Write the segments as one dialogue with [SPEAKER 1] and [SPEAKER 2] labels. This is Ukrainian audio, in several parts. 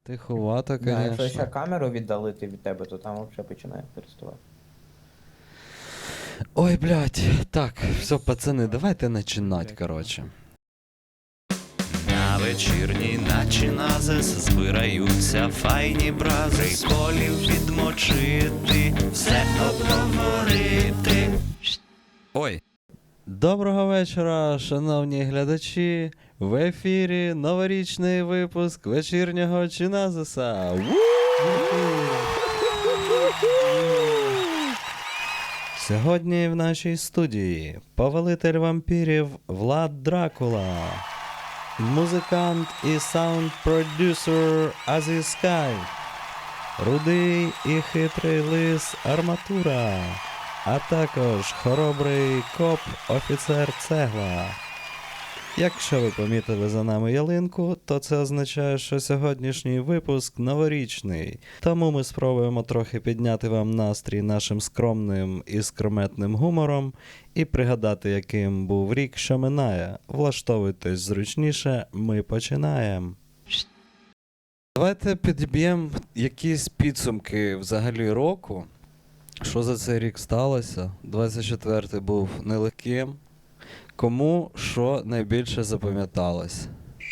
[SPEAKER 1] Тиховато,
[SPEAKER 2] Да, якщо ще
[SPEAKER 1] конечно.
[SPEAKER 2] камеру віддалити від тебе, то там взагалі починає переставати.
[SPEAKER 1] Ой, блядь. Так, все, пацани, давайте начинать, короче.
[SPEAKER 3] На вечірній наче назис збираються файні брази, приколів відмочити, все обговорити. Ой.
[SPEAKER 1] Доброго вечора, шановні глядачі. В ефірі новорічний випуск вечірнього Чиназиса. Сьогодні в нашій студії повелитель вампірів Влад Дракула, музикант і саунд-продюсер Азі Скай, рудий і хитрий лис Арматура, а також хоробрий коп офіцер Цегла. Якщо ви помітили за нами ялинку, то це означає, що сьогоднішній випуск новорічний. Тому ми спробуємо трохи підняти вам настрій нашим скромним і скрометним гумором і пригадати, яким був рік, що минає. Влаштовуйтесь зручніше, ми починаємо. Давайте підіб'ємо якісь підсумки взагалі року. Що за цей рік сталося? 24-й був нелегким. Кому що найбільше запам'яталось?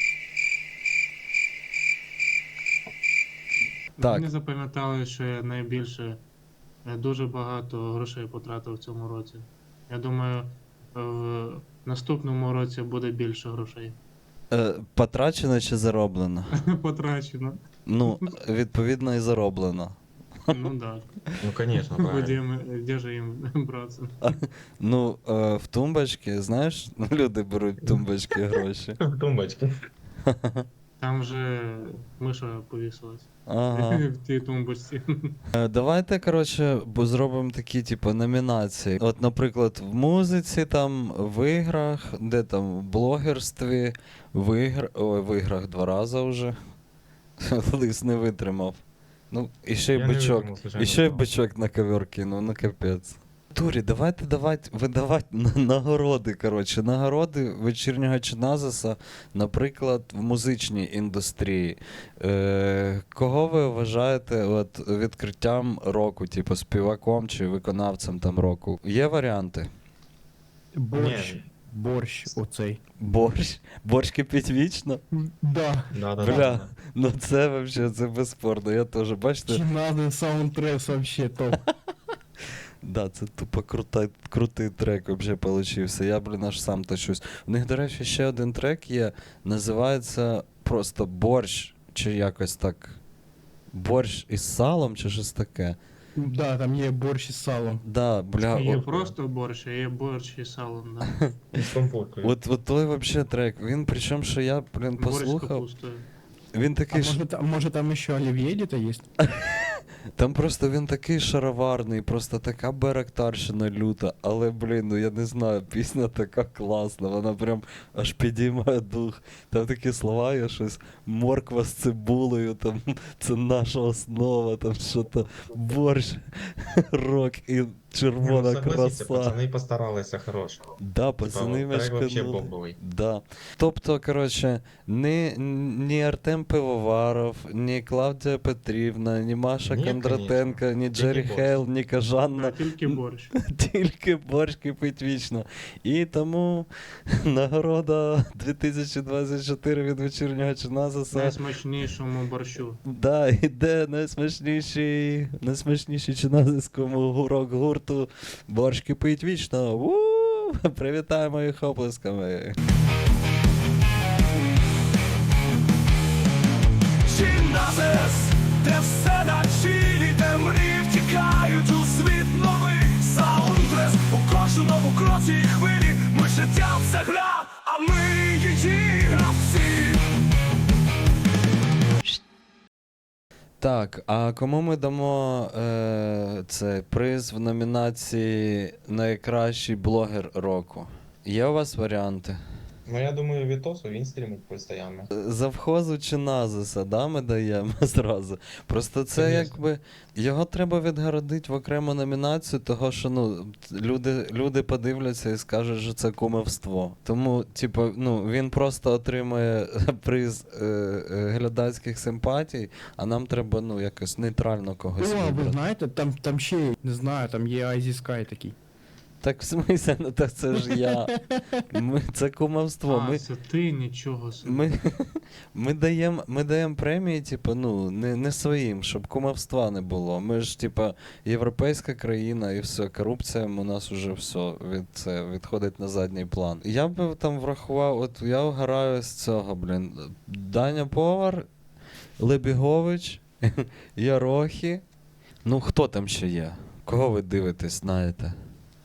[SPEAKER 1] Так.
[SPEAKER 4] Мені запам'ятали, що я найбільше дуже багато грошей потратив в цьому році. Я думаю, в наступному році буде більше грошей.
[SPEAKER 1] Потрачено чи зароблено?
[SPEAKER 4] Потрачено.
[SPEAKER 1] Ну, відповідно, і зароблено.
[SPEAKER 4] Ну так.
[SPEAKER 5] Ну, конечно, правильно.
[SPEAKER 4] Де же їм братися?
[SPEAKER 1] Ну, в тумбочки, знаєш, люди беруть в тумбочки гроші.
[SPEAKER 5] В тумбочке.
[SPEAKER 4] Там же миша повісилась.
[SPEAKER 1] Ага.
[SPEAKER 4] В тій тумбочці.
[SPEAKER 1] Давайте, коротше, зробимо такі, типу, номінації. От, наприклад, в музиці, там, в іграх, де там, в блогерстві, в іграх 2 рази вже. Лис не витримав. Ну, і ще й
[SPEAKER 5] Я не
[SPEAKER 1] бичок.
[SPEAKER 5] витримав, случайно
[SPEAKER 1] І ще й
[SPEAKER 5] впав.
[SPEAKER 1] бичок на ковер кинув, ну капець. Турі, давайте видавати нагороди, коротше. Нагороди вечірнього Чиназиса, наприклад, в музичній індустрії. Кого ви вважаєте от, відкриттям року, типу співаком чи виконавцем там року? Є варіанти?
[SPEAKER 6] Борщ.
[SPEAKER 5] Ні.
[SPEAKER 6] Борщ оцей.
[SPEAKER 1] Борщ? Борщ кипить вічно?
[SPEAKER 6] Да.
[SPEAKER 5] Да, да,
[SPEAKER 1] Бля,
[SPEAKER 5] да.
[SPEAKER 1] ну це вообще, це безспорно. Я теж, бачите?
[SPEAKER 6] Чи надо саундтрес вообще топ.
[SPEAKER 1] Да, це тупо крутий трек вообще получився. Я, блін, аж сам тащусь. У них, до речі, ще один трек є, називається просто борщ, чи якось так. Борщ із салом, чи щось таке.
[SPEAKER 6] Да, там є борщ із салом.
[SPEAKER 1] Да, бля.
[SPEAKER 4] Є
[SPEAKER 1] о-
[SPEAKER 4] просто борщ, а є борщ із салом. Да.
[SPEAKER 5] И с компоткой.
[SPEAKER 1] От той вообще трек. Він, причому, що я, блін,
[SPEAKER 4] Борщ з
[SPEAKER 1] послухав.
[SPEAKER 4] капустою.
[SPEAKER 1] Він
[SPEAKER 6] А
[SPEAKER 1] такий
[SPEAKER 6] може там ще олів'є где-то є?
[SPEAKER 1] Там просто він такий шароварний, просто така беректарщина люта, але, блін, ну я не знаю, пісня така класна, вона прям аж підіймає дух. Там такі слова є щось, морква з цибулею, там, це наша основа, там що-то, борщ, рок і
[SPEAKER 5] Не,
[SPEAKER 1] червона
[SPEAKER 5] ну, согласитесь,
[SPEAKER 1] краса.
[SPEAKER 5] пацаны постарались, хорош.
[SPEAKER 1] Да, пацани
[SPEAKER 5] Типа, трек вообще
[SPEAKER 1] мешканули.
[SPEAKER 5] бомбовий.
[SPEAKER 1] Да. Тобто, коротше, ні Артем Пивоваров, ні Клавдія Петрівна, ні Маша
[SPEAKER 5] Ні,
[SPEAKER 1] Кондратенко,
[SPEAKER 5] конечно.
[SPEAKER 1] ні
[SPEAKER 5] Тільки
[SPEAKER 1] Джері
[SPEAKER 5] борщ.
[SPEAKER 1] Хейл, ні
[SPEAKER 4] Да,
[SPEAKER 1] Кажанна.
[SPEAKER 4] тільки борщ.
[SPEAKER 1] Тільки борщ кипить вічно. І тому нагорода 2024 від вечірнього Чиназиса.
[SPEAKER 4] Найсмачнішому борщу.
[SPEAKER 1] Да, іде найсмачніший чиназиському рок-гурту «Борщ кипить вічно». Привітаємо їх оплесками.
[SPEAKER 7] Чиназис, де все на чилі, де мрії втікають у світ новий. Саундтрес у кожному кроці і хвилі. Ми життя це гра, а ми її гравці.
[SPEAKER 1] Так, а кому ми дамо цей приз в номінації «Найкращий блогер року»? Є у вас варіанти?
[SPEAKER 5] Ну я думаю, Вітосу він стрімить постійно.
[SPEAKER 1] Завхозу чи Назиса, да, ми даємо зразу. Просто це
[SPEAKER 5] Конечно.
[SPEAKER 1] якби. Його треба відгородити в окрему номінацію, того що ну, люди подивляться і скажуть, що це кумівство. Тому, типу, ну, він просто отримує приз глядацьких симпатій, а нам треба, ну, якось нейтрально когось
[SPEAKER 6] О, ви
[SPEAKER 1] вибрати.
[SPEAKER 6] знаєте, там ще, є, не знаю, там є Айзі Sky такий.
[SPEAKER 1] Так в смысле, ну так це ж я. Це кумовство.
[SPEAKER 4] А, це ти нічого собі.
[SPEAKER 1] Ми даємо премії, типу, ну, не своїм, щоб кумовства не було. Ми ж, типу, європейська країна і все, корупція у нас уже все відходить на задній план. Я би там врахував, от я вгораю з цього, блін. Даня Повар, Лебігович, Ярохі. Ну, хто там ще є? Кого ви дивитесь, знаєте?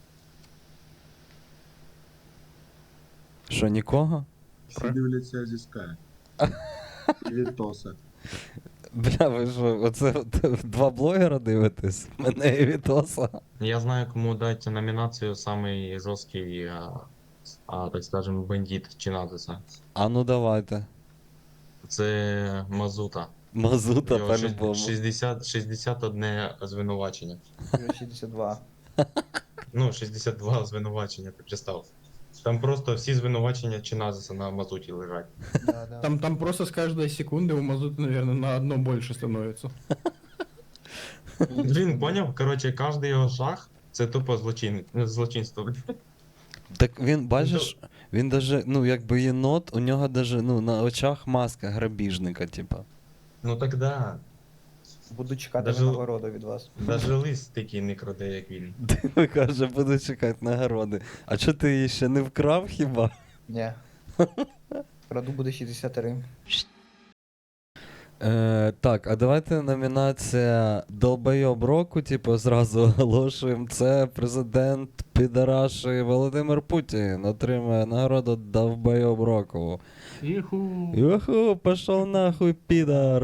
[SPEAKER 1] Що, нікого?
[SPEAKER 8] Всі дивляться зі Sky. І Вітоса.
[SPEAKER 1] Бля, ви що, оце два блогера дивитесь? Мене і Вітоса.
[SPEAKER 5] Я знаю, кому дати номінацію самий жорсткий, так скажем, бандит чи Назиса.
[SPEAKER 1] А ну давайте.
[SPEAKER 5] Це Мазута.
[SPEAKER 1] Мазута,
[SPEAKER 5] Його
[SPEAKER 1] по-любому.
[SPEAKER 5] 61 звинувачення.
[SPEAKER 2] 62.
[SPEAKER 5] Ну, 62 звинувачення, ти представ. Там просто всі звинувачення чи Назиса на Мазуті лежать.
[SPEAKER 2] Да, да.
[SPEAKER 6] Там просто с каждой секунды у Мазута, наверное, на одно больше становится.
[SPEAKER 5] Він поняв, коротше, кожен його шаг це тупо злочинство.
[SPEAKER 1] Так він, бачиш, він даже, ну, якби єнот, у нього даже, ну, на очах маска грабіжника, типа.
[SPEAKER 5] Ну так да.
[SPEAKER 2] Буду чекати
[SPEAKER 5] Даже-
[SPEAKER 2] нагороду від вас.
[SPEAKER 5] Даже лист такий не краде, як він.
[SPEAKER 1] Диви, каже, буду чекати нагороди. А чо ти її ще не вкрав хіба?
[SPEAKER 2] Ні. Краду буде 63.
[SPEAKER 1] Так, а давайте номінація Долбойоб року, типу, зразу оголошуємо. Це президент Підараші Володимир Путін отримує нагороду Долбойоб року.
[SPEAKER 4] Іху.
[SPEAKER 1] Юху, пішов нахуй, підар.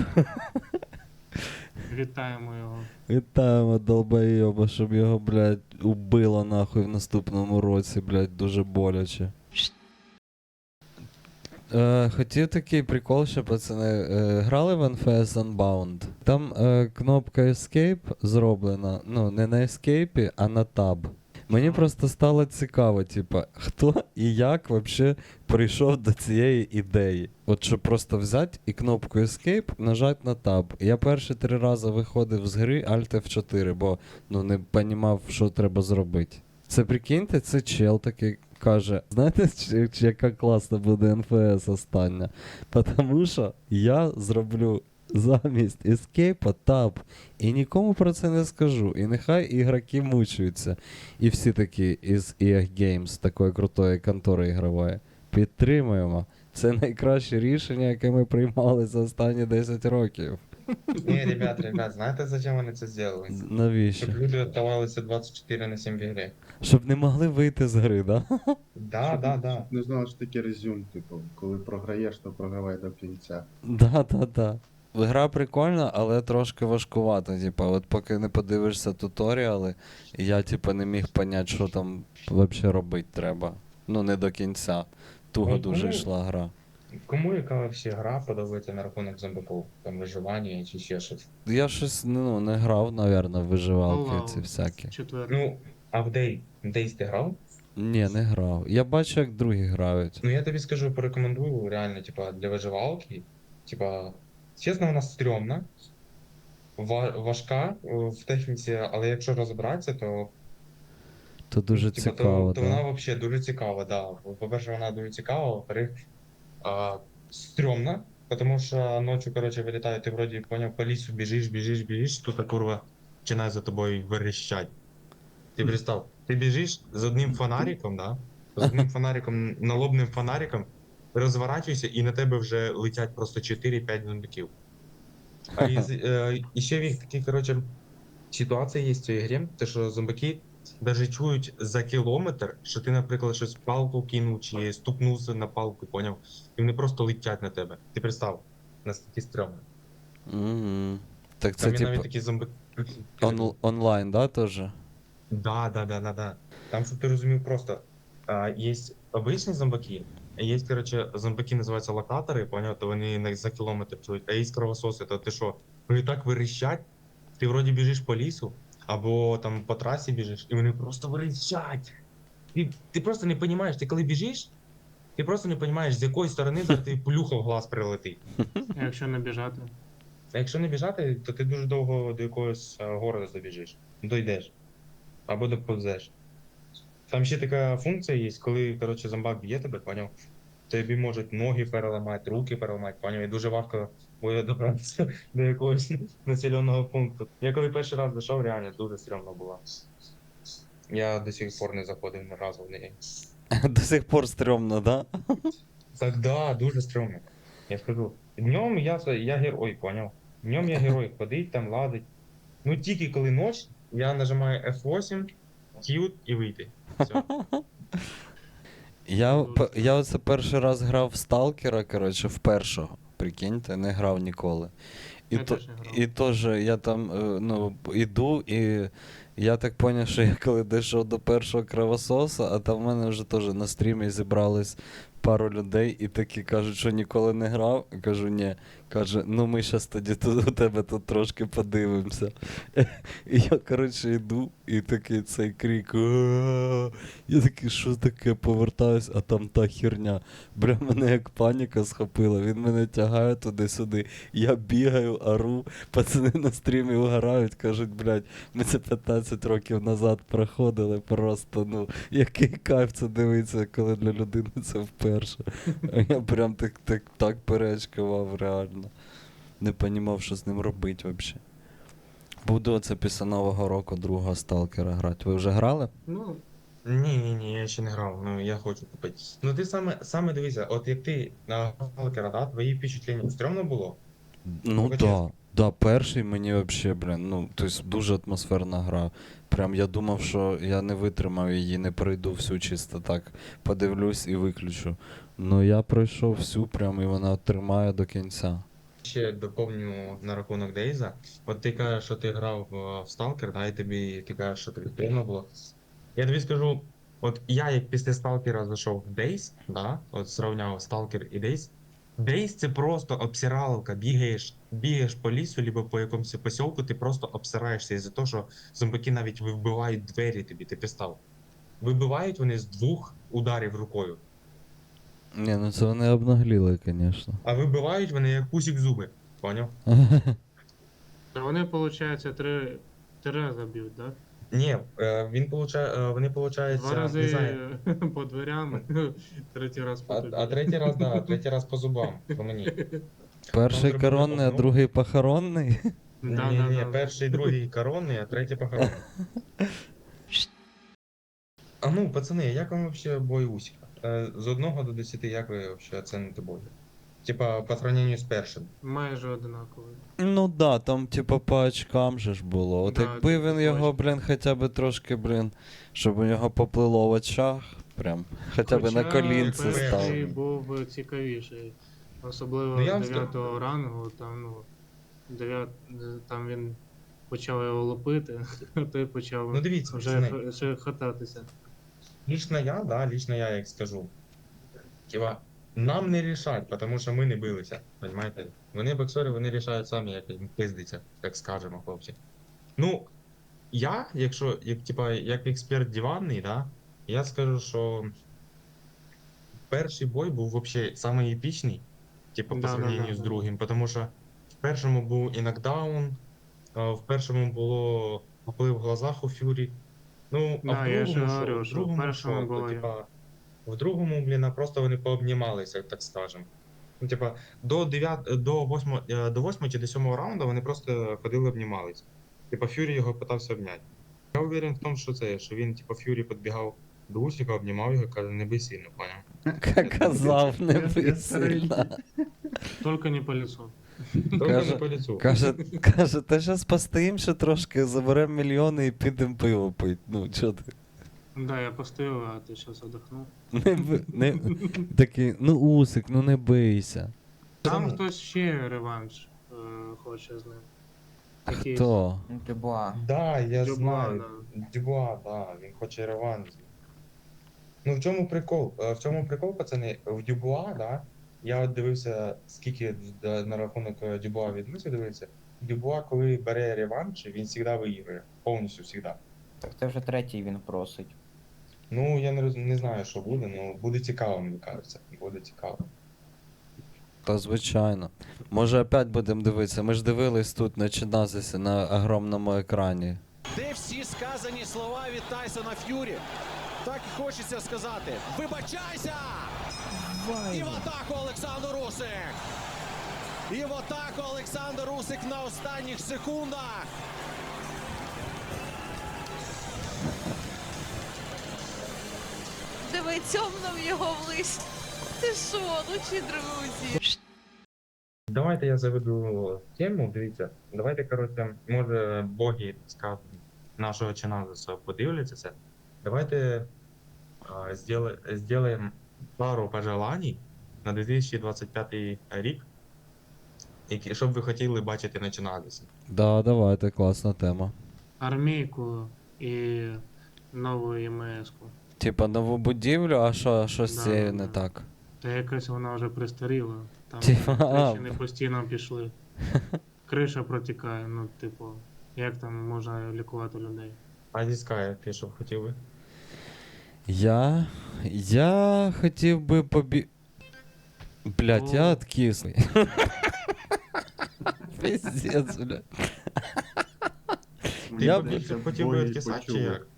[SPEAKER 4] Вітаємо його.
[SPEAKER 1] Вітаємо долбойоба, щоб його, блядь, убило нахуй в наступному році, блядь, дуже боляче. Хотів такий прикол, що пацани грали в NFS Unbound. Там кнопка Escape зроблена, ну, не на Escape, а на Tab. Мені просто стало цікаво, типа, хто і як вообще прийшов до цієї ідеї. От щоб просто взяти і кнопку Escape нажати на Tab. Я перші 3 рази виходив з гри Alt F4, бо ну, не розумів, що треба зробити. Це прикиньте, це чел такий каже, знаєте, яка класна буде НФС остання? Тому що я зроблю замість Escape Tab. І нікому про це не скажу. І нехай ігроки мучаються. І всі такі із EA Games, такої крутої контори ігрової. Підтримуємо. Це найкраще рішення, яке ми приймали за останні 10 років.
[SPEAKER 5] Ні, ребят, знаєте, зачем вони це зробили?
[SPEAKER 1] Навіщо?
[SPEAKER 5] Щоб люди оставалися 24/7 в ігрі.
[SPEAKER 1] Щоб не могли вийти з гри, да?
[SPEAKER 5] Да.
[SPEAKER 8] Не знали, що таке резюм, типу, коли програєш, то програвай до кінця.
[SPEAKER 1] Да. Гра прикольна, але трошки важкувата. Типа, от поки не подивишся туторіали, я типа не міг поняти, що там взагалі робити треба. Ну, не до кінця. Туго
[SPEAKER 5] Ну,
[SPEAKER 1] дуже
[SPEAKER 5] кому?
[SPEAKER 1] йшла гра.
[SPEAKER 5] Кому яка всі гра подобається на рахунок зомбаків? Там виживання чи ще щось?
[SPEAKER 1] Я щось ну, не грав, напевно, в виживалки ці всякі.
[SPEAKER 4] Четвертий.
[SPEAKER 5] Ну, а в Days ти грав?
[SPEAKER 1] Ні, не грав. Я бачу, як другі грають.
[SPEAKER 5] Ну я тобі скажу, порекомендую реально, типа, для виживалки. Типа, чесно, вона стрьомна, важка в техніці, але якщо розібратися, то
[SPEAKER 1] То дуже
[SPEAKER 5] типа,
[SPEAKER 1] цікаво,
[SPEAKER 5] то
[SPEAKER 1] да.
[SPEAKER 5] вона взагалі дуже цікава, да. По-перше, вона дуже цікава, во-вторых, стрьомна, тому що ночі, коротше, вилітає, ти вроді поняв, по лісу біжиш, тут курва починає за тобою верещать. Ти представ, ти біжиш з одним фонариком, да? З одним фонариком, налобним фонариком, розворачуєшся і на тебе вже летять просто 4-5 зомбаків. І ще в їх такі, коротше, ситуації є в цій грі, те, що зомбаки навіть чують за кілометр, що ти, наприклад, щось палку кинув чи стукнувся на палку, поняв? І вони просто летять на тебе. Ти представ, наскільки стрьомно.
[SPEAKER 1] Мгм. Так це
[SPEAKER 5] Там є навіть
[SPEAKER 1] типу
[SPEAKER 5] такі зомбаки.
[SPEAKER 1] онлайн, да, теж?
[SPEAKER 5] Да. Там, щоб ти розумів, просто є обичні зомбаки. Є, коротше, зомбаки називаються локатори, поняв, то вони за кілометр чують, а є кровососи, то ти що, вони так вирищать, ти вроді біжиш по лісу, або там по трасі біжиш, і вони просто вирищать. Ти просто не розумієш, ти коли біжиш, ти просто не розумієш, з якої сторони зараз тобі плюха в глаз прилетить.
[SPEAKER 4] А якщо не біжати?
[SPEAKER 5] А якщо не біжати, то ти дуже довго до якогось города добіжиш, дойдеш, або доповзеш. Там ще така функція є, коли, коротше, зомбак б'є тебе, поняв? Тобі можуть ноги переламати, руки переламати, поняв? І дуже важко буде добратися до якогось населеного пункту. Я коли перший раз зайшов, реально дуже стрьомно було. Я до сих пор не заходив ні разу в неї.
[SPEAKER 1] До сих пор стрьомно, да?
[SPEAKER 5] Так да, дуже стрьомно. Я скажу. Днем я герой, поняв? Днем я герой, ходить там, ладить. Ну тільки коли ніч, я нажимаю F8, Q і вийти. Все.
[SPEAKER 1] Я оце перший раз грав в Сталкера, коротше, в першого. Прикиньте, не грав ніколи.
[SPEAKER 4] Я теж не грав.
[SPEAKER 1] І теж я там іду, і я так зрозумів, що я коли дійшов до першого кровососа, а там в мене вже теж на стрімі зібрались пару людей і такі кажуть, що ніколи не грав. Кажу, ні. Каже, ну ми зараз тоді тут у тебе тут трошки подивимося. І я, коротше, йду, і такий цей крик. «А-а-а!» Я такий, що таке, повертаюсь, а там та херня. Бля, мене як паніка схопила, він мене тягає туди-сюди. Я бігаю, ору, пацани на стрімі угорають, кажуть, блядь, ми це 15 років назад проходили, просто, ну, який кайф це дивиться, коли для людини це вперше. А я прям так перечкував, реально. Не понімав, що з ним робити взагалі. Буду оце після Нового року другого Сталкера грати. Ви вже грали?
[SPEAKER 4] Ну,
[SPEAKER 5] Ні, я ще не грав, ну я хочу купити. Ну ти саме дивися, от як ти на Сталкера, да, твої впечатлення стрьомно було?
[SPEAKER 1] Ну
[SPEAKER 5] Покажи.
[SPEAKER 1] да. Да, перший мені вообще, блін, ну, тобто дуже атмосферна гра. Прям я думав, що я не витримав її, не пройду всю чисто так. Подивлюсь і виключу. Ну я пройшов всю прям і вона тримає до кінця.
[SPEAKER 5] Ще доповню на рахунок Дейза. От ти кажеш, що ти грав в Stalker, да, і ти кажеш, що тобі приємно було. Я тобі скажу, от я як після Stalker зайшов в Days, да, от зрівняв Stalker і Days. Days це просто обсираловка, бігаєш по лісу, либо по якомусь посілку, ти просто обсираєшся із-за того, що зомбаки навіть вибивають двері тобі, ти пістав. Вибивають вони з 2 ударів рукою.
[SPEAKER 1] Ні, ну це вони обнагліли, звісно.
[SPEAKER 5] А вибивають вони як пусік зуби, поняв?
[SPEAKER 4] то вони, виходить, три рази б'ють, так?
[SPEAKER 5] Ні, вони получають,
[SPEAKER 4] Два
[SPEAKER 5] не
[SPEAKER 4] рази
[SPEAKER 5] знаю,
[SPEAKER 4] по дверям, третій раз по тобі.
[SPEAKER 5] а третій раз, да, третій раз по зубам, по мені.
[SPEAKER 1] Перший
[SPEAKER 5] Там
[SPEAKER 1] коронний, а
[SPEAKER 5] зробили
[SPEAKER 1] другий похоронний.
[SPEAKER 5] Ні, перший, другий коронний, а третій похоронний. А ну, пацани, як вам вообще бой Усіка? З 1 до 10, як ви вообще оцените бой? Типа, по сравнению з першим.
[SPEAKER 4] Майже одинаковий.
[SPEAKER 1] Ну да, там типа по очкам же ж було. От
[SPEAKER 4] Да,
[SPEAKER 1] якби
[SPEAKER 4] типу,
[SPEAKER 1] він
[SPEAKER 4] по
[SPEAKER 1] його,
[SPEAKER 4] очкам.
[SPEAKER 1] блін, хоча б трошки, блін, щоб у нього поплило в очах, прям, хоча б на колінці
[SPEAKER 5] перший
[SPEAKER 1] став.
[SPEAKER 4] Перший був цікавіший. Особливо
[SPEAKER 5] Ну, я вам
[SPEAKER 4] 9-го рангу, там, там він почав його лупити, а той почав
[SPEAKER 5] Ну дивіться,
[SPEAKER 4] вже
[SPEAKER 5] пацани.
[SPEAKER 4] ще хататися.
[SPEAKER 5] Лично я як скажу. Типа, нам не рішать, тому що ми не билися, понимаєте? Вони боксери, вони рішають самі, як їм пиздиться, так скажемо, хлопці. Ну, я, як експерт диванний, да, я скажу, що перший бой був вообще самий епічний, типу, по
[SPEAKER 4] Да,
[SPEAKER 5] сравнению з другим, тому що в першому був і нокдаун, в першому було поплив в глазах у Фюрі. Ну, а
[SPEAKER 4] Да,
[SPEAKER 5] в
[SPEAKER 4] я ж
[SPEAKER 5] другому,
[SPEAKER 4] говорю, що в першому
[SPEAKER 5] що,
[SPEAKER 4] було
[SPEAKER 5] типа, в другому, блін, просто вони пообнімалися, так скажем. Ну, типа, до 8 чи до 7 раунду вони просто ходили обнімалися. Типа, Фюрі його питався обняти. Я уверен в тому, що він, типа, Фюрі підбігав до Усіка, обнімав його, каже, не бий сильно, поняв?
[SPEAKER 1] Казав, не бий сильно.
[SPEAKER 4] Тільки не по лицу.
[SPEAKER 5] Тільки
[SPEAKER 1] Каже-
[SPEAKER 5] не по лицу.
[SPEAKER 1] Каже, та щас постоїм ще трошки, заберемо мільйони і підемо пиво пить. Ну, чо ти?
[SPEAKER 4] Да, я постояв, а ти зараз одихнув.
[SPEAKER 1] Такий, ну Усик, ну не бийся.
[SPEAKER 4] Там
[SPEAKER 5] Тому-
[SPEAKER 4] хтось ще реванш хоче з ним. Якийсь.
[SPEAKER 1] Хто?
[SPEAKER 2] Дюбуа.
[SPEAKER 5] Да, я
[SPEAKER 4] Дюбуа,
[SPEAKER 5] знаю. Дюбуа, да, він хоче реванш. Ну в чому прикол? В чому прикол, пацани? В Дюбуа, да? Я от дивився, скільки на рахунок Дюбуа відмисів дивився. Дюбуа, коли бере реванш, він завжди виіграє. Повністю завжди.
[SPEAKER 2] Так це вже третій він просить.
[SPEAKER 5] Ну, я не знаю, що буде, але буде цікаво, мені кажеться. Буде цікаво.
[SPEAKER 1] Та звичайно. Може опять будемо дивитися. Ми ж дивились тут на Чиназисі на огромному екрані.
[SPEAKER 7] Де всі сказані слова від Тайсона Ф'юрі? Так і хочеться сказати. Вибачайся! І в атаку Олександр Русик! І в атаку Олександр Русик на останніх секундах!
[SPEAKER 9] Диви, цьомнув його в лист. Ти що, лучші друзі?
[SPEAKER 5] Давайте я заведу тему, дивіться. Давайте, коротше, може боги, скажімо, нашого Чиназиса подивляться це. Давайте сделаем пару пожеланий на 2025 рік, щоб ви хотіли бачити на Чиназисі.
[SPEAKER 1] Да, давайте, класна тема.
[SPEAKER 4] Армійку і нову ЄМС-ку.
[SPEAKER 1] Типа нову будівлю, а що з
[SPEAKER 4] Да,
[SPEAKER 1] цією не
[SPEAKER 4] да.
[SPEAKER 1] так?
[SPEAKER 4] Та якась вона вже пристаріла. Там
[SPEAKER 1] Типа,
[SPEAKER 4] тріщини постійно пішли. Криша протікає, ну, типу, як там можна лікувати людей?
[SPEAKER 5] А Діскай, ти що б хотів би?
[SPEAKER 1] Я хотів би Блять, я
[SPEAKER 4] О.
[SPEAKER 1] откислий. Пиздец, блядь. Я б-
[SPEAKER 5] хотів би відкисати чи як?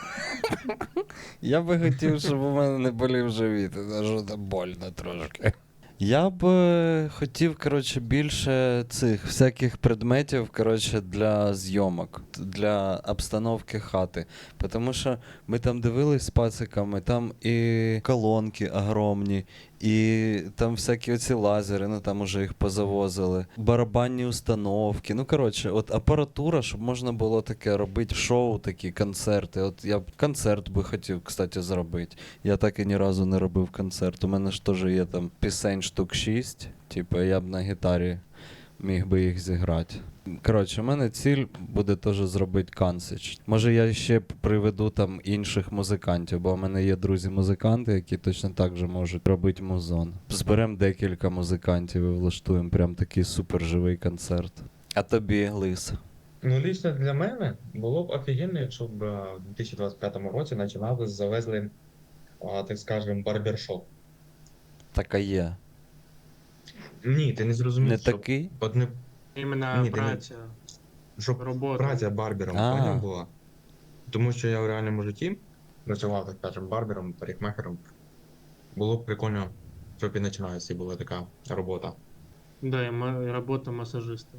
[SPEAKER 1] Я би хотів, щоб у мене не болів живіт, це що там больно трошки. Я б хотів, коротше, більше цих всяких предметів, коротше, для зйомок, для обстановки хати. Тому що ми там дивились з пациками, там і колонки огромні, і там всякі оці лазери, ну там уже їх позавозили, барабанні установки. Ну, коротше, от апаратура, щоб можна було таке робити шоу, такі концерти. От я б концерт би хотів, кстати, зробити. Я так і ні разу не робив концерт. У мене ж теж є там пісень штук 6. Типу, я б на гітарі міг би їх зіграти. Коротше, у мене ціль буде теж зробити концерт. Може я ще приведу там інших музикантів, бо у мене є друзі-музиканти, які точно так же можуть робити музон. Зберемо декілька музикантів і влаштуємо прям такий суперживий концерт. А тобі, Лис?
[SPEAKER 5] Ну, лично для мене було б офігенно, якщо б в 2025 році починали завезли, так скажемо, барбершоп.
[SPEAKER 1] Така є.
[SPEAKER 5] Ні, ти не зрозумів,
[SPEAKER 1] Не
[SPEAKER 5] що
[SPEAKER 1] такий?
[SPEAKER 5] одне,
[SPEAKER 4] Іменно
[SPEAKER 5] Ні, ти не-
[SPEAKER 4] праця,
[SPEAKER 5] щоб
[SPEAKER 4] робота.
[SPEAKER 5] праця барбером
[SPEAKER 1] А.
[SPEAKER 5] поняв була. Тому що я в реальному житті працював, так скажемо, барбером, парикмахером. Було б прикольно, щоб і починається була така робота.
[SPEAKER 4] Да, і робота масажиста.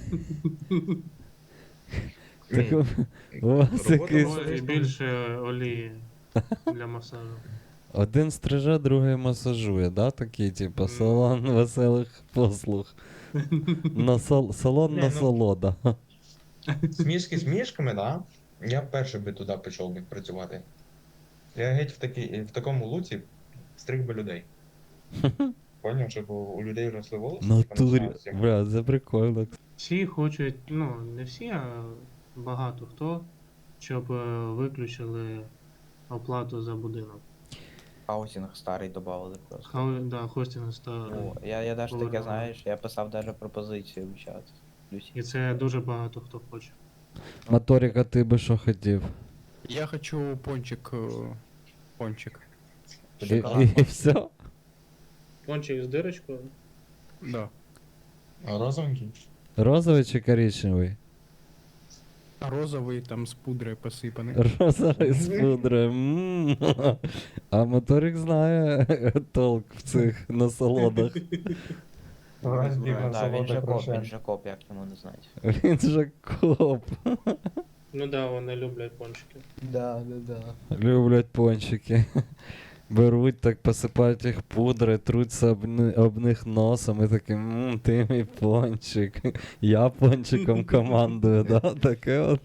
[SPEAKER 1] Так,
[SPEAKER 5] Ні,
[SPEAKER 1] у вас
[SPEAKER 5] робота
[SPEAKER 1] якийсь
[SPEAKER 5] була-
[SPEAKER 4] І більше олії для масажу.
[SPEAKER 1] один стриже, другий масажує, да? Такий, типу, салон веселих послуг. Салон
[SPEAKER 5] Ні, ну-
[SPEAKER 1] насолода.
[SPEAKER 5] Смішки з мішками, да? Я перший би туди пішов би працювати. Я геть в такому луці стриг би людей. Поняв, щоб у людей росли волоси. типу,
[SPEAKER 1] Натурі.
[SPEAKER 5] починалося.
[SPEAKER 1] Бля, це прикольно.
[SPEAKER 4] Всі хочуть, ну, не всі, а багато хто, щоб виключили оплату за будинок.
[SPEAKER 2] Хаусінг старий додавали просто.
[SPEAKER 4] Да, хостинг став.
[SPEAKER 2] О, я даже таке,
[SPEAKER 4] Повернули.
[SPEAKER 2] знаєш, я писав даже пропозицію в чат.
[SPEAKER 4] І це дуже багато хто хоче.
[SPEAKER 1] Моторика, ти би що хотів?
[SPEAKER 6] Я хочу пончик. Пончик.
[SPEAKER 1] І все?
[SPEAKER 4] Пончик з дирочкою.
[SPEAKER 6] Да.
[SPEAKER 5] Розовенький?
[SPEAKER 1] Розовий чи коричневий?
[SPEAKER 6] Розовий там з пудрою посипаний.
[SPEAKER 1] Розовий з пудрою. А моторик знає толк в цих насолодах.
[SPEAKER 2] Да, він же коп, як йому не знати.
[SPEAKER 1] Він же коп.
[SPEAKER 4] Ну да, вони люблять пончики.
[SPEAKER 2] Да.
[SPEAKER 1] Люблять пончики. Беруть, так посипають їх пудрою, труться об них носом і такі, ти мій пончик. Я пончиком командую, да? Таке от.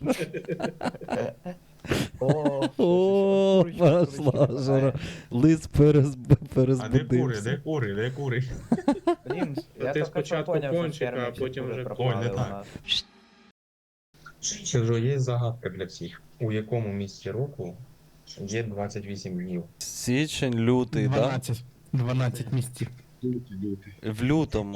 [SPEAKER 1] О, пошла жара. Лис
[SPEAKER 5] А де кури,
[SPEAKER 1] перезбудився.
[SPEAKER 5] де кури?
[SPEAKER 2] Блін,
[SPEAKER 4] Та
[SPEAKER 2] я
[SPEAKER 4] ти
[SPEAKER 2] тільки
[SPEAKER 4] спочатку
[SPEAKER 2] що поняв, що
[SPEAKER 4] пончика, а
[SPEAKER 2] фермерці
[SPEAKER 4] потім
[SPEAKER 2] дуже
[SPEAKER 4] вже
[SPEAKER 2] пропали
[SPEAKER 5] Ой, не
[SPEAKER 2] у
[SPEAKER 5] так.
[SPEAKER 2] нас.
[SPEAKER 5] Що є загадка для всіх. У якому місці року є 28 днів.
[SPEAKER 1] Січень, лютий, так?
[SPEAKER 6] 12 місяців.
[SPEAKER 8] Лютий.
[SPEAKER 1] В лютому.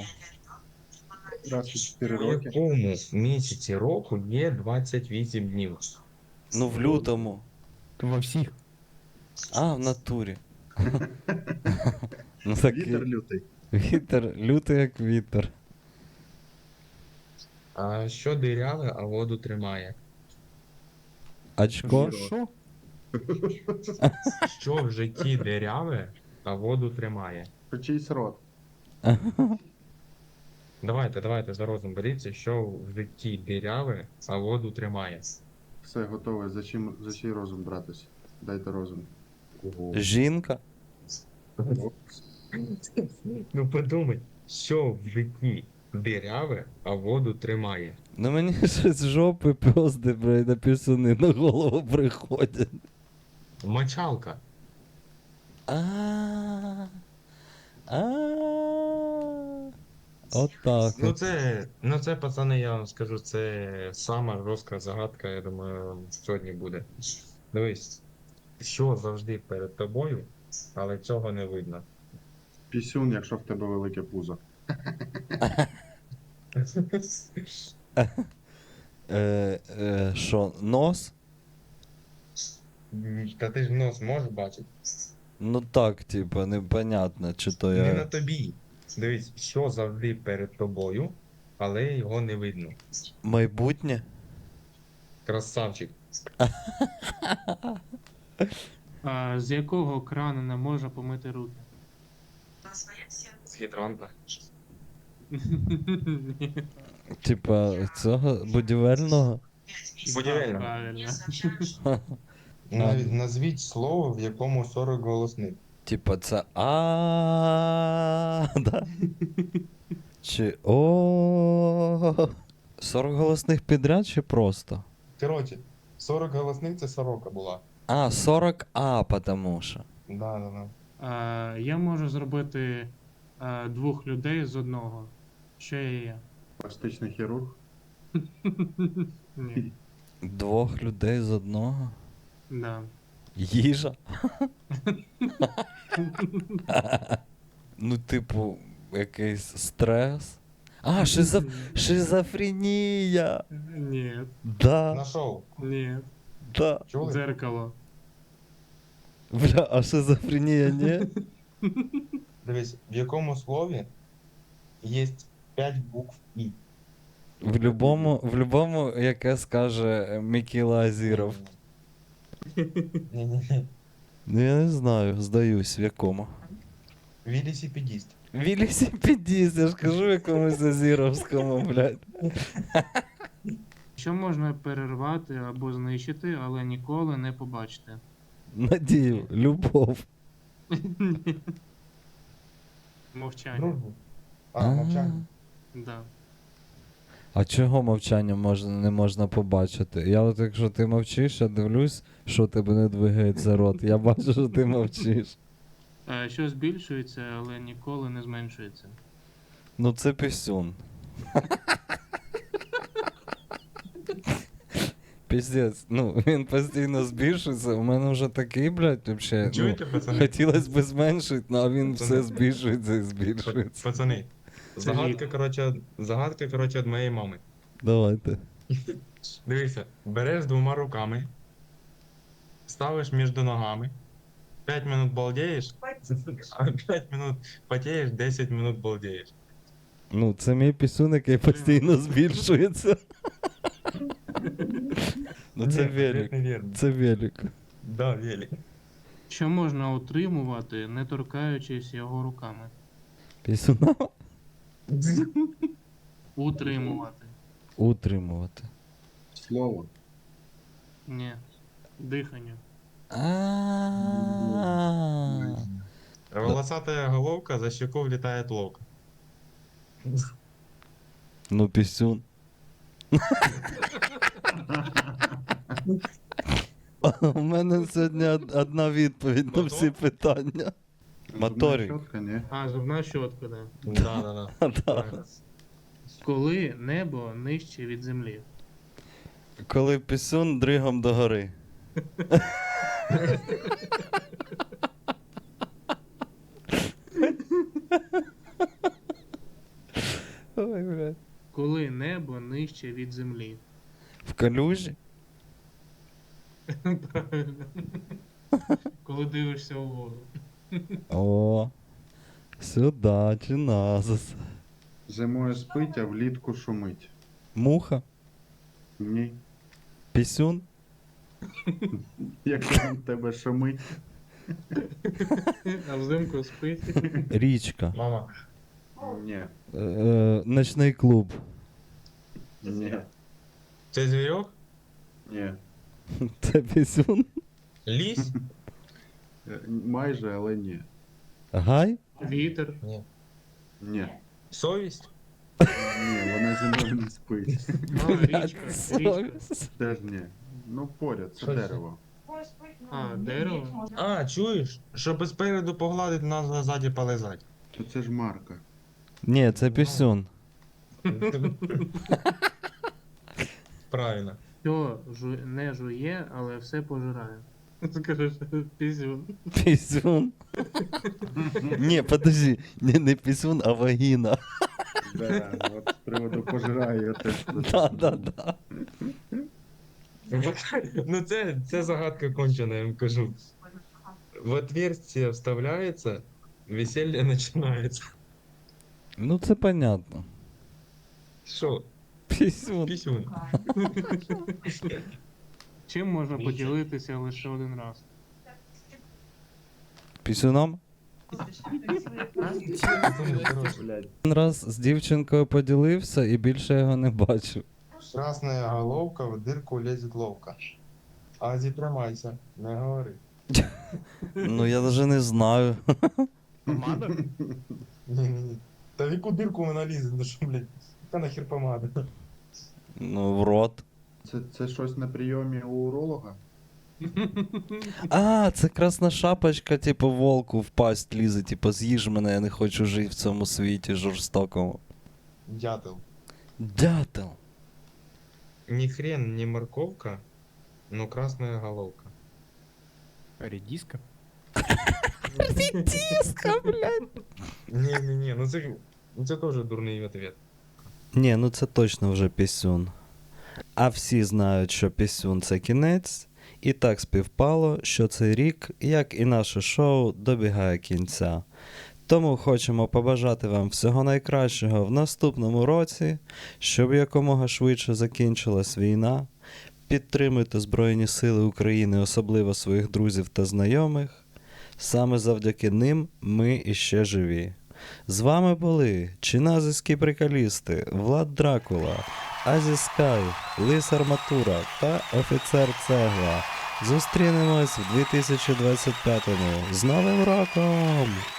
[SPEAKER 8] 24
[SPEAKER 5] У
[SPEAKER 8] роки.
[SPEAKER 5] якому місяці року є 28 днів?
[SPEAKER 1] Ну, в лютому.
[SPEAKER 6] Во всіх.
[SPEAKER 1] А, в натурі. Ну такий.
[SPEAKER 8] Вітер лютий.
[SPEAKER 1] Вітер, лютий як вітер.
[SPEAKER 5] А що диряве, а воду тримає?
[SPEAKER 1] Очко?
[SPEAKER 6] Що?
[SPEAKER 5] Що в житті диряве, а воду тримає?
[SPEAKER 8] Про чийсь рот.
[SPEAKER 5] Давайте за розум беріться, що в житті диряве, а воду тримає.
[SPEAKER 8] Все готове. За чий розум братись? Дайте розум.
[SPEAKER 1] Жінка?
[SPEAKER 5] Ну подумай, що в житті диряве, а воду тримає.
[SPEAKER 1] Ну мені щось з жопи пьозди, блядь, на пісюни на голову приходять.
[SPEAKER 5] Мочалка.
[SPEAKER 1] А. Отак.
[SPEAKER 5] Ну це, пацани, я вам скажу, це сама жорстка загадка, я думаю, сьогодні буде. Дивись, що завжди перед тобою, але цього не видно.
[SPEAKER 8] Пісюн, якщо в тебе велике пузо.
[SPEAKER 1] Що, нос?
[SPEAKER 5] Та ти ж нос можеш бачити?
[SPEAKER 1] Ну так, типа, непонятно, чи то
[SPEAKER 5] Не на
[SPEAKER 1] я.
[SPEAKER 5] тобі. Дивись, що завжди перед тобою, але його не видно.
[SPEAKER 1] Майбутнє?
[SPEAKER 5] Красавчик.
[SPEAKER 4] А з якого крану не можна помити руки?
[SPEAKER 5] З гідранта.
[SPEAKER 4] Ні.
[SPEAKER 1] Типа, цього будівельного?
[SPEAKER 5] Будівельно.
[SPEAKER 4] Правильно.
[SPEAKER 5] Назвіть слово, в якому 40 голосних.
[SPEAKER 1] Типа, це а, да? Чи о. 40 голосних підряд чи просто?
[SPEAKER 5] Коротше, 40 голосних це сорока була.
[SPEAKER 1] А, 40 А, потому що.
[SPEAKER 5] Да.
[SPEAKER 4] Я можу зробити двох людей з одного. Що я є?
[SPEAKER 8] Пластичний хірург.
[SPEAKER 4] Ні.
[SPEAKER 1] Двох людей з одного?
[SPEAKER 4] Да.
[SPEAKER 1] Їжа? Ну, типу, якийсь стрес. А, шизофренія!
[SPEAKER 4] Ні.
[SPEAKER 1] Да,
[SPEAKER 5] Нашов.
[SPEAKER 4] Ні.
[SPEAKER 1] да.
[SPEAKER 5] Чули?
[SPEAKER 4] Дзеркало.
[SPEAKER 1] Бля, а шизофренія ні?
[SPEAKER 5] Дивись, в якому слові є 5 букв І.
[SPEAKER 1] В любому, яке скаже Микіла Азіров.
[SPEAKER 5] Ні.
[SPEAKER 1] Ну я не знаю, здаюсь, в якому.
[SPEAKER 5] Велосипедист.
[SPEAKER 1] Велосипедіст, я ж кажу якомусь Азіровському, блядь.
[SPEAKER 4] Що можна перервати або знищити, але ніколи не побачити?
[SPEAKER 1] Надію, любов.
[SPEAKER 4] Мовчання.
[SPEAKER 5] Дружбу. Мовчання.
[SPEAKER 4] Да.
[SPEAKER 1] А чого мовчання не можна побачити? Я от якщо ти мовчиш, я дивлюсь, що тебе не двигається рот. Я бачу, що ти мовчиш.
[SPEAKER 4] Що збільшується, але ніколи не зменшується.
[SPEAKER 1] Ну це пісюн. Піздець, ну він постійно збільшується, у мене вже такий, блядь, вообще, ну,
[SPEAKER 5] Чуєте, пацани?
[SPEAKER 1] хотілося б зменшити, ну, а він
[SPEAKER 5] Пацани.
[SPEAKER 1] все збільшується і збільшується.
[SPEAKER 5] Пацани, загадка, коротше, від моєї мами.
[SPEAKER 1] Давайте.
[SPEAKER 5] Дивися, береш двома руками, ставиш між ногами, 5 минут балдеєш, а 5 минут потієш, 10 минут балдеєш.
[SPEAKER 1] Ну, це мій пісюн, який постійно збільшується. Ну це
[SPEAKER 5] Ні,
[SPEAKER 1] велик.
[SPEAKER 5] невірно.
[SPEAKER 1] Це велик.
[SPEAKER 5] Да, велик.
[SPEAKER 4] Що можна утримувати, не торкаючись його руками?
[SPEAKER 1] Пісюна
[SPEAKER 4] Утримувати.
[SPEAKER 1] утримувати.
[SPEAKER 8] Слово.
[SPEAKER 4] Ні. Дихання.
[SPEAKER 1] А.
[SPEAKER 5] Волосатая головка, за щеку влетает ловко.
[SPEAKER 1] Ну, пісюн. У мене сьогодні одна відповідь на всі питання. Моторик.
[SPEAKER 8] Щотка, ні.
[SPEAKER 4] Зубна щотка, да.
[SPEAKER 5] Да.
[SPEAKER 1] Да.
[SPEAKER 4] Коли небо нижче від землі.
[SPEAKER 1] Коли пісюн дригом догори. Ой, блядь.
[SPEAKER 4] Коли небо нижче від землі.
[SPEAKER 1] В калюжі?
[SPEAKER 4] Правильно. Коли дивишся угору.
[SPEAKER 1] О, сюди, чи назис.
[SPEAKER 8] Зимою спить, а влітку шумить.
[SPEAKER 1] Муха?
[SPEAKER 8] Ні.
[SPEAKER 1] Пісюн?
[SPEAKER 8] Як там тебе шумить.
[SPEAKER 4] А взимку спить.
[SPEAKER 1] Річка.
[SPEAKER 5] Мама.
[SPEAKER 8] Ні.
[SPEAKER 1] Ночний клуб.
[SPEAKER 8] Ні.
[SPEAKER 5] Це звірок?
[SPEAKER 8] Ні.
[SPEAKER 1] Це пісюн?
[SPEAKER 5] Ліс?
[SPEAKER 8] Майже, але ні.
[SPEAKER 1] Гай?
[SPEAKER 4] Вітер.
[SPEAKER 5] Ні.
[SPEAKER 8] Ні.
[SPEAKER 5] Совість?
[SPEAKER 8] Ні, вона зимою не спить.
[SPEAKER 4] А, річка. Річка.
[SPEAKER 1] Совість.
[SPEAKER 8] Теж ні. Ну, поряд, це
[SPEAKER 5] Що це?
[SPEAKER 8] дерево.
[SPEAKER 4] А, дерево.
[SPEAKER 5] А, чуєш? Щоб спереду погладити, нас ззаді полизати.
[SPEAKER 8] То це ж марка.
[SPEAKER 1] Ні, це пісюн.
[SPEAKER 5] Правильно.
[SPEAKER 4] Що не жує, але все пожирає. Скажеш, пісюн.
[SPEAKER 1] Пісюн. Ні, подожди, не пісюн, а вагіна.
[SPEAKER 8] Да, от з приводу пожираю я теж.
[SPEAKER 1] Да.
[SPEAKER 5] Ну це загадка кончена, я вам кажу. В отверстие вставляється, веселье починається.
[SPEAKER 1] Ну це понятно.
[SPEAKER 5] Що?
[SPEAKER 1] Пісюн.
[SPEAKER 5] Пісюн.
[SPEAKER 4] Чим можна поділитися лише один раз?
[SPEAKER 1] Пісюном? Один раз з дівчинкою поділився і більше його не бачив.
[SPEAKER 5] Красная головка, в дырку лезет ловко. Азі, тримайся, не говори.
[SPEAKER 1] Ну я навіть не знаю.
[SPEAKER 6] Помада?
[SPEAKER 5] Ні. Та в яку дирку вона лізе, ну що, блядь? Яка нахер помада?
[SPEAKER 1] Ну, в рот.
[SPEAKER 8] Це щось на прийомі у уролога?
[SPEAKER 1] А, це красна шапочка, типу, волку в пасть лізе, типу, з'їж мене, я не хочу жити в цьому світі жорстокому.
[SPEAKER 5] Дятел.
[SPEAKER 1] Дятел.
[SPEAKER 5] Ні хрен, ні морковка, но красная головка.
[SPEAKER 6] Редиска?
[SPEAKER 1] Тіска, блядь.
[SPEAKER 5] Ні, ну це теж дурний ответ.
[SPEAKER 1] Ні, ну це точно вже пісюн. А всі знають, що пісюн це кінець, і так співпало, що цей рік, як і наше шоу, добігає кінця. Тому хочемо побажати вам всього найкращого в наступному році, щоб якомога швидше закінчилась війна. Підтримуйте Збройні Сили України, особливо своїх друзів та знайомих. Саме завдяки ним ми іще живі. З вами були чиназиські приколісти Влад Дракула, Азі Скай, Лис Арматура та Офіцер Цегла. Зустрінемось в 2025-му. З Новим роком!